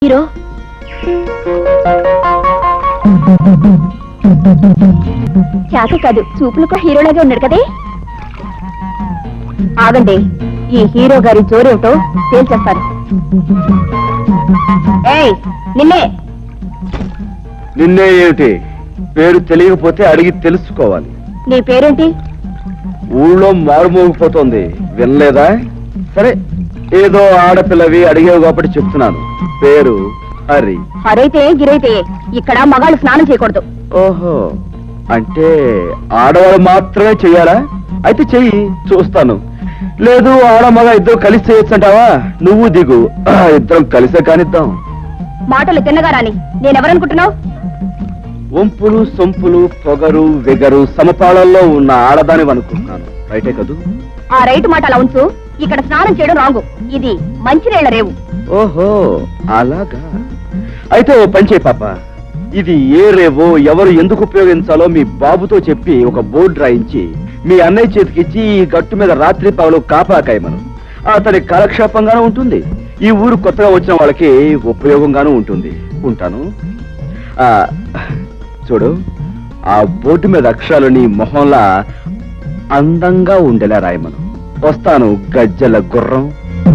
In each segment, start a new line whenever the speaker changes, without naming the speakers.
Hero చేత కాదు, చూపులకు హీరోలాగే ఉన్నాడు కదే. ఆగండి, ఈ హీరో గారి జోరేమిటో తేల్చేస్తారు. ఏయ్, నిన్నే
నిన్నే ఏమిటి? పేరు తెలియకపోతే అడిగి తెలుసుకోవాలి.
నీ పేరేంటి?
ఊళ్ళో మారుమోగిపోతోంది, వినలేదా? సరే, ఏదో ఆడపిల్లవి అడిగేవి కాబట్టి చెప్తున్నాను. పేరు హరి.
హరైతే గిరైతే ఇక్కడ మగాళ్ళు స్నానం చేయకూడదు.
ఓహో, అంటే ఆడవాళ్ళు మాత్రమే చెయ్యాలా? అయితే చెయ్యి, చూస్తాను. లేదు, ఆడ మగ ఇద్దరు కలిసి చేయొచ్చంటావా? నువ్వు దిగు, ఇద్దరం కలిసే కానిద్దాం.
మాటలు తిన్నగా రాని. నేనెవరనుకుంటున్నావు?
వంపులు సొంపులు పొగరు వెగరు సమపాళల్లో ఉన్న ఆడదాని అనుకుంటున్నాను. రైటే కదూ?
ఆ రైట్ మాట అలా ఉంచు. ఇక్కడ స్నానం చేయడం రాంగు. ఇది మంచినీళ్ల రేవు.
ఓహో, అలాగా. అయితే ఓ పని చేయి పాప, ఇది ఏ రేవో ఎవరు ఎందుకు ఉపయోగించాలో మీ బాబుతో చెప్పి ఒక బోర్డు రాయించి మీ అన్నయ్య చేతికిచ్చి ఈ గట్టు మీద రాత్రి పగలు కాపాకాయమను. అతని కాలక్షేపంగానూ ఉంటుంది, ఈ ఊరు కొత్తగా వచ్చిన వాళ్ళకి ఉపయోగంగానూ ఉంటుంది. ఉంటాను. చూడు, ఆ బోర్డు మీద అక్షరాలు నీ మొహంలా అందంగా ఉండేలా రాయమను. వస్తాను, గజ్జల గుర్రం.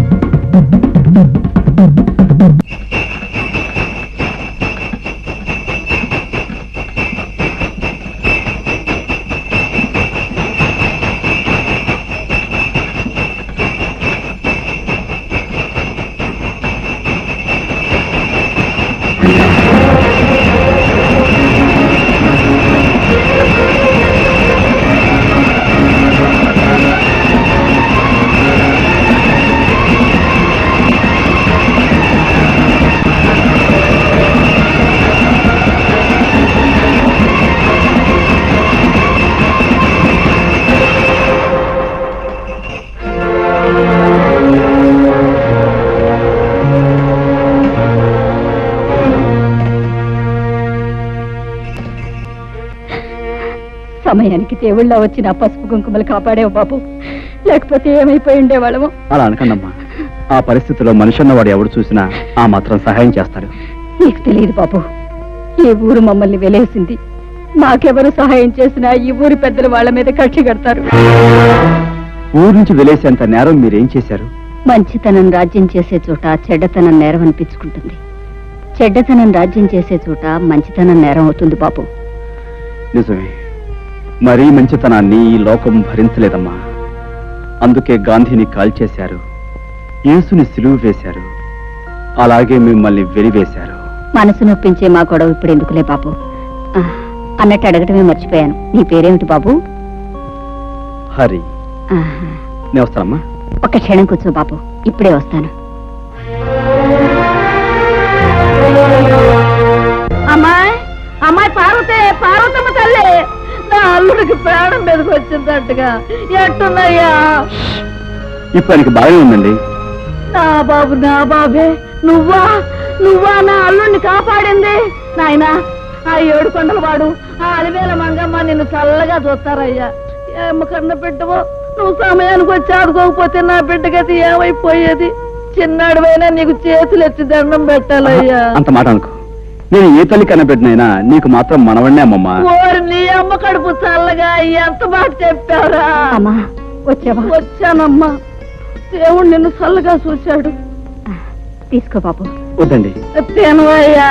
సమయానికి దేవుళ్ళ వచ్చి నా పసుపు కుంకుమలు కాపాడేవు బాబు, లేకపోతే ఏమైపోయి ఉండేవాళ్ళము.
అలా అనకండమ్మా, ఆ పరిస్థితిలో మనిషి అన్నవాడు ఎవడు చూసినా ఆ మాత్రం సహాయం చేస్తాడు.
నీకు తెలియదు బాబు, ఈ ఊరు మమ్మల్ని వెలేసింది. మాకెవరు సహాయం చేసినా ఈ ఊరి పెద్దలు వాళ్ళ మీద కక్షి కడతారు.
ఊరు నుంచి వెలేసేంత నేరం మీరేం చేశారు?
మంచితనం రాజ్యం చేసే చోట చెడ్డతనం నేరం అనిపించుకుంటుంది. చెడ్డతనం రాజ్యం చేసే చోట మంచితనం నేరం అవుతుంది బాబు.
నిజమే, మరీ మంచితనాన్ని ఈ లోకం భరించలేదమ్మా. అందుకే గాంధీని కాల్చేశారు, యేసుని సిలువ వేశారు, అలాగే మిమ్మల్ని వెలివేశారు.
మనసు నొప్పించే మా గొడవ ఇప్పుడు ఎందుకులే బాబు. అన్నట్టు అడగటమే మర్చిపోయాను, నీ పేరేమిటి బాబు?
హరి. నేను వస్తానమ్మా.
ఒక్క క్షణం కూర్చో బాబు, ఇప్పుడే వస్తాను. అమ్మాయి, అమ్మాయి పార్వతే, పార్వతమ్మ తల్లి, నా అల్లుడికి ప్రాణం మీదకి వచ్చిందట్టుగా. ఎట్టున్నాయ్యా?
ఇప్పుడు ఆయనకి బాగానే ఉందండి.
నా బాబు, నా బాబే, నువ్వా నువ్వా నా అల్లుడిని కాపాడింది? నాయనా, ఆ 7 కొండల వాడు, ఆ అలివేల మంగమ్మ నిన్ను చల్లగా చూస్తారయ్యా. ఏమ కన్న బిడ్డవో, నువ్వు సమయానికి వచ్చి ఆడుకోకపోతే నా బిడ్డగతి ఏమైపోయేది? చిన్నాడువైనా నీకు చేతులు ఎత్తి దండం పెట్టాలయ్యా.
అంత మాట అనుకో, నేను ఏ తల్లి కనబెట్టినైనా నీకు మాత్రం మనవన్నే అమ్మమ్మా.
ఓరి నీ అమ్మ కడుపు చల్లగా, ఎంత మాట చెప్పారా? వచ్చానమ్మా, దేవుడు నిన్ను చల్లగా చూశాడు. తీసుకో బాబు.
వద్దండి.
తినవయ్యా.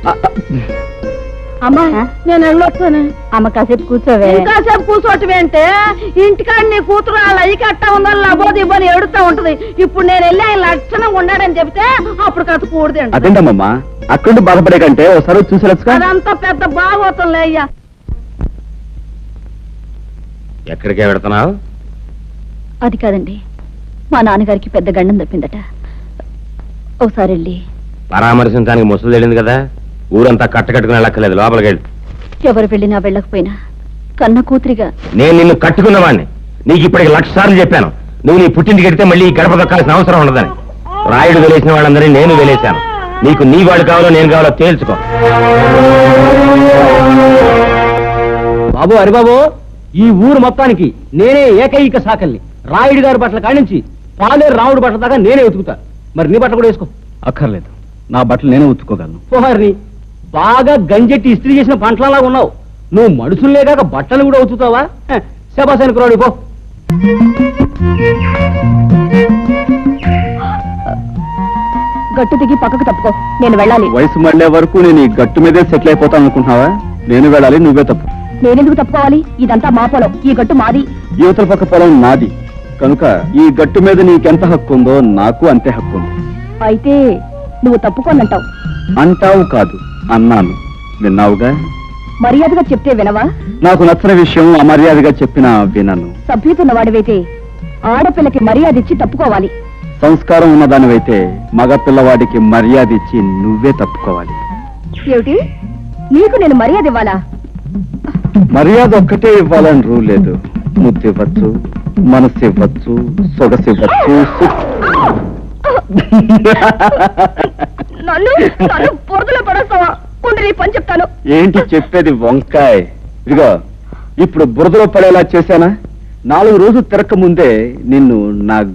అమ్మా, నేను వెళ్ళొస్తాను. అమ్మ కాసేపు కూర్చోవే. కాసేపు కూర్చోటమేంటే, ఇంటికాడ నీ కూతురు వాళ్ళ అయ్యి కట్టా ఉందని లబోది ఇవ్వని ఏడుతా ఉంటది. ఇప్పుడు నేను వెళ్ళి ఆయన లక్షణంగా ఉన్నాడని చెప్తే అప్పుడు కథ కూడదండి.
అదేంటమ్మా, అక్కడ బాధపడే కంటే ఒకసారి చూసి
అదంతా పెద్ద బాగోతుందిలే అయ్యా.
ఎక్కడికే వెళుతున్నావు?
అది కాదండి, మా నాన్నగారికి పెద్ద గండం తప్పిందట. ఒకసారి వెళ్ళి
పరామర్శించడానికి ముసలు తెలియదు కదా, ఊరంతా కట్టకట్టుకుని వెళ్ళక్కర్లేదు, లోపలికి వెళ్ళి.
ఎవరు వెళ్ళినా వెళ్ళకపోయినా కన్న కూతురిగా
నేను నిన్ను కట్టుకున్నవాడిని. నీకు ఇప్పటికి 1,00,000 సార్లు చెప్పాను, నువ్వు నీ పుట్టింటికి వెడితే మళ్ళీ ఈ గడప దొక్కాల్సిన అవసరం ఉండదని. రాయుడు వెలేసిన వాళ్ళందరినీ నేను వెలేశాను. నీకు నీ వాడు కావాలో నేను కావాలో తేల్చుకో.
బాబు, హరిబాబు, ఈ ఊరు మొత్తానికి నేనే ఏకైక సాకల్ని. రాయుడు గారి బట్టల కానించి పాలేరు రాముడు బట్టల దాకా నేనే వెతుకుతా. మరి నీ బట్ట కూడా వేసుకో.
అక్కర్లేదు, నా బట్టలు నేనే ఉతుక్కోగలను.
పోహారిని బాగా గంజెట్టి ఇస్త్రీ చేసిన పంటలలా ఉన్నావు. నువ్వు మనుషుల్లే కాక బట్టలు కూడా ఉతుకుతావా? శబాసానికి రాడు పో.
గట్టు దిగి పక్కకు తప్పుకో, నేను వెళ్ళాలి.
వయసు మళ్ళే వరకు నేను ఈ గట్టు మీదే సెటిల్ అయిపోతాను అనుకుంటున్నావా? నేను వెళ్ళాలి, నువ్వే తప్పు.
నేనెందుకు తప్పుకోవాలి? ఇదంతా మా పొలం, ఈ గట్టు మాది.
యువతల పక్క పొలం నాది కనుక ఈ గట్టు మీద నీకెంత హక్కు ఉందో నాకు అంతే హక్కు ఉంది.
అయితే నువ్వు తప్పుకోనంటావు.
అంటావు కాదు, అన్నాను. విన్నావుగా?
మర్యాదగా చెప్తే వినవా?
నాకు నచ్చిన విషయం అమర్యాదగా చెప్పినా వినను.
సభ్యుతున్న వాడివైతే ఆడపిల్లకి మర్యాద ఇచ్చి తప్పుకోవాలి.
సంస్కారం ఉన్నదానివైతే మగ పిల్లవాడికి మర్యాద ఇచ్చి నువ్వే తప్పుకోవాలి.
ఏమిటి? నీకు నేను మర్యాద ఇవ్వాలా?
మర్యాద ఒక్కటే ఇవ్వాలని రూల్ లేదు. ముద్దు ఇవ్వచ్చు, మనసు ఇవ్వచ్చు, సొగసు ఇవ్వచ్చు.
నన్ను బురదలో పడేస్తావా? ఉండి నీ పని చెప్తాను.
ఏంటి చెప్పేది వంకాయ్? ఇదిగో ఇప్పుడు బురదలో పడేలా చేశానా? 4 రోజులు తిరక్క ముందే నిన్ను నా